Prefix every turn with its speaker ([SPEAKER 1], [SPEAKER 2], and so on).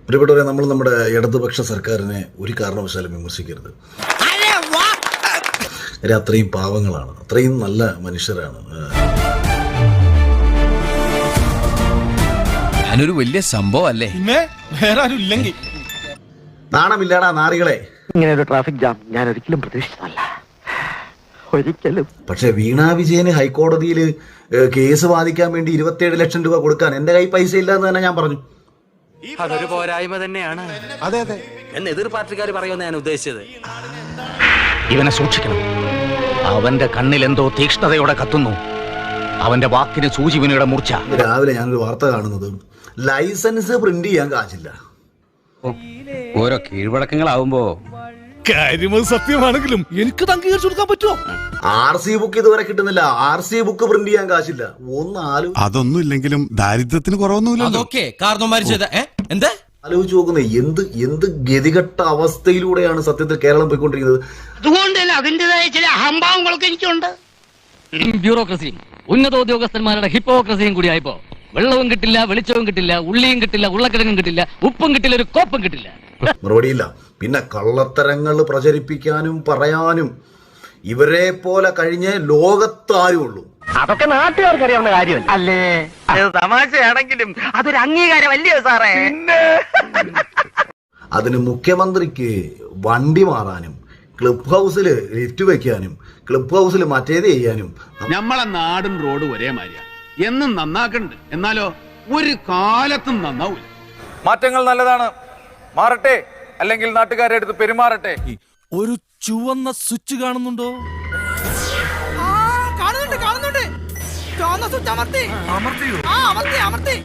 [SPEAKER 1] പ്രിയപ്പെട്ടവരെ, നമ്മൾ നമ്മുടെ ഇടതുപക്ഷ സർക്കാരിനെ ഒരു കാരണവശാലും വിമർശിക്കരുത്. അത്രയും പാവങ്ങളാണ്, അത്രയും നല്ല മനുഷ്യരാണ്.
[SPEAKER 2] ഞാനൊരു വലിയ സംഭവം അല്ലേ,
[SPEAKER 3] വേറെ ആരും ഇല്ലെങ്കിൽ.
[SPEAKER 1] നാണമില്ലാടാ നാറികളെ.
[SPEAKER 4] ഇങ്ങനെ ഒരു ട്രാഫിക് ജാം ഞാൻ ഒരിക്കലും പ്രതീക്ഷിച്ചതല്ല, ഒരിക്കലും.
[SPEAKER 1] പക്ഷെ വീണ വിജയന് ഹൈക്കോടതിയിൽ കേസ് വാദിക്കാൻ വേണ്ടി 27 ലക്ഷം രൂപ കൊടുക്കാൻ എന്റെ കൈ പൈസ ഇല്ല എന്ന് തന്നെ ഞാൻ പറഞ്ഞു.
[SPEAKER 5] അതൊരു പോരായ്മ തന്നെയാണ്.
[SPEAKER 3] അതെ അതെ
[SPEAKER 5] എന്ന് എതിർ പാർട്ടിക്കാർ പറയുമെന്ന് ഞാൻ ഉദ്ദേശിച്ചത്.
[SPEAKER 6] ഇവനെ സൂക്ഷിക്കണം. അവന്റെ കണ്ണിൽ എന്തോ തീക്ഷ്ണതയോടെ കത്തുന്നു. അവന്റെ വാക്കിന് സൂചിവിനിയുടെ മൂർച്ച.
[SPEAKER 1] രാവിലെ ഞാനൊരു വാർത്ത കാണുന്നത്, ലൈസൻസ് പ്രിന്റ് ചെയ്യാൻ കാശില്ല.
[SPEAKER 2] ഓരോ കീഴ്വഴക്കങ്ങളാവുമ്പോ
[SPEAKER 3] കാര്യം സത്യമാണെങ്കിലും എനിക്ക് അംഗീകരിച്ചു കൊടുക്കാൻ പറ്റുമോ?
[SPEAKER 1] RC ബുക്ക് ഇതുവരെ കിട്ടുന്നില്ല. RC ബുക്ക് പ്രിന്റ് ചെയ്യാൻ കാശില്ല.
[SPEAKER 7] അതൊന്നും ഇല്ലെങ്കിലും ദാരിദ്ര്യത്തിന് കുറവൊന്നുമില്ല.
[SPEAKER 2] എന്താ
[SPEAKER 1] ആലോചിച്ച് നോക്കുന്നത്, എന്ത് ഗതികെട്ട അവസ്ഥയിലൂടെയാണ് സത്യത്തിൽ കേരളം പോയിക്കൊണ്ടിരിക്കുന്നത്.
[SPEAKER 4] അതുകൊണ്ട് തന്നെ അതിൻ്റെതായ ചില അഹംഭാവങ്ങളൊക്കെ എനിക്കുണ്ട്.
[SPEAKER 8] ബ്യൂറോക്രസിയും ഉന്നതോദ്യോഗസ്ഥന്മാരുടെ ഹിപ്പോക്രസിയും കൂടി ആയപ്പോ വെള്ളവും കിട്ടില്ല, വെളിച്ചവും കിട്ടില്ല, ഉള്ളിയും കിട്ടില്ല, ഉരുളക്കിഴങ്ങും കിട്ടില്ല, ഉപ്പും കിട്ടില്ല, ഒരു കോപ്പും കിട്ടില്ല.
[SPEAKER 1] മറുപടിയില്ല. പിന്നെ കള്ളത്തരങ്ങൾ പ്രചരിപ്പിക്കാനും പറയാനും ഇവരെ പോലെ കഴിഞ്ഞ് ലോകത്താരും ഉള്ളൂ.
[SPEAKER 4] അതൊക്കെ നാട്ടുകാർക്ക് അറിയാവുന്ന കാര്യം അല്ലേ? തമാശയാണെങ്കിലും അതൊരു അംഗീകാരമല്ലേ സാറേ?
[SPEAKER 1] അതിന് മുഖ്യമന്ത്രിക്ക് വണ്ടി മാറാനും ക്ലബ് ഹൗസിൽ ലിഫ്റ്റ് വെക്കാനും ക്ലബ് ഹൗസിൽ മറ്റേത് ചെയ്യാനും.
[SPEAKER 9] നമ്മളെ നാടും റോഡും ഒരേ മാതിരിയാ, എന്നും നന്നാക്കണ്ട്. എന്നാലോ ഒരു കാലത്തും നന്നാവൂല.
[SPEAKER 10] മാറ്റങ്ങൾ നല്ലതാണ്, മാറട്ടെ, അല്ലെങ്കിൽ നാട്ടുകാരെ അടുത്ത് പെരുമാറട്ടെ.
[SPEAKER 3] ഒരു ചുവന്ന സ്വിച്ച് കാണുന്നുണ്ടോ?
[SPEAKER 11] കാണുന്നുണ്ട്. ചുവന്ന സ്വിച്ച് അമർത്തി.